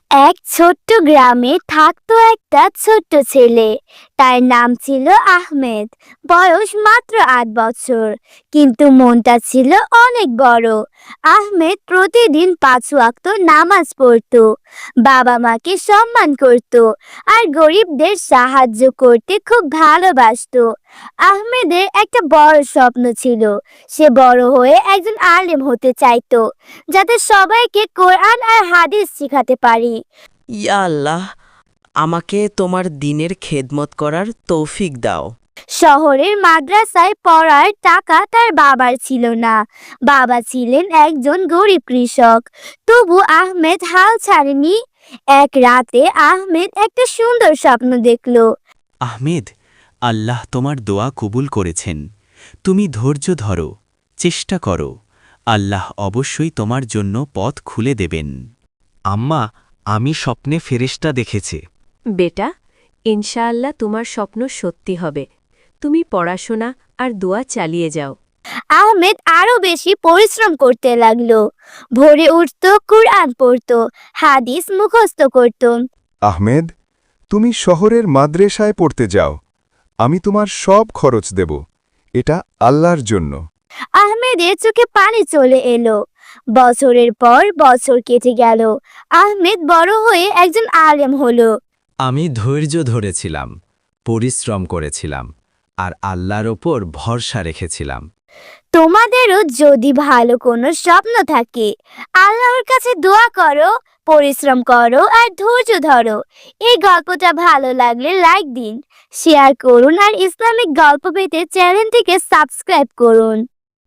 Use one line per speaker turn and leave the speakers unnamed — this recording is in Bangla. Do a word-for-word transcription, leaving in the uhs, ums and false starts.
এক ছোট্ট গ্রামে থাকতো একটা ছোট্ট ছেলে। তার নাম ছিল আহমেদ। বয়স মাত্র আট বছর, কিন্তু মনটা ছিল অনেক বড়। আহমেদ প্রতিদিন পাঁচ ওয়াক্ত নামাজ পড়তো, বাবা মাকে সম্মান করত, আর গরিবদের সাহায্য করতে খুব ভালোবাসতো। আহমেদের একটা বড় স্বপ্ন ছিল, সে বড় হয়ে একজন আলেম হতে চাইতো, যাতে সবাইকে কোরআন আর হাদিস শেখাতে পারি।
ইয়া আল্লাহ, আমাকে তোমার দিনের খেদমত করার তৌফিক দাও।
শহরের মাদ্রাসায় পড়ার টাকা তার বাবার ছিল না। বাবা ছিলেন একজন গরিব কৃষক। তবু আহমেদ হাল ছাড়েনি। এক রাতে আহমেদ একটা সুন্দর স্বপ্ন দেখল।
আহমেদ, আল্লাহ তোমার দোয়া কবুল করেছেন। তুমি ধৈর্য ধরো, চেষ্টা করো, আল্লাহ অবশ্যই তোমার জন্য পথ খুলে দেবেন।
আম্মা, আমি স্বপ্নে ফেরেশতা দেখেছি।
বেটা, ইনশাআল্লাহ তোমার স্বপ্ন সত্যি হবে। তুমি পড়াশোনা আর দোয়া চালিয়ে যাও।
আহমেদ আরো বেশি পরিশ্রম করতে লাগলো। ভোরে উঠত, কুরআন পড়ত, হাদিস মুখস্থ করত।
আহমেদ, তুমি শহরের মাদ্রাসায় পড়তে যাও, আমি তোমার সব খরচ দেব, এটা আল্লাহর জন্য।
আহমেদের চোখে পানি চলে এলো। বছরের পর বছর কেটে গেল। আহমেদ বড় হয়ে একজন আলেম হলো।
আমি ধৈর্য ধরেছিলাম, পরিশ্রম করেছিলাম, আর আল্লাহর ওপর ভরসা রেখেছিলাম।
তোমাদেরও যদি ভালো কোনো স্বপ্ন থাকে, আল্লাহর কাছে দোয়া করো, পরিশ্রম করো আর ধৈর্য ধরো। এই গল্পটা ভালো লাগলে লাইক দিন, শেয়ার করুন আর ইসলামিক গল্প পেতে চ্যানেলটিকে সাবস্ক্রাইব করুন।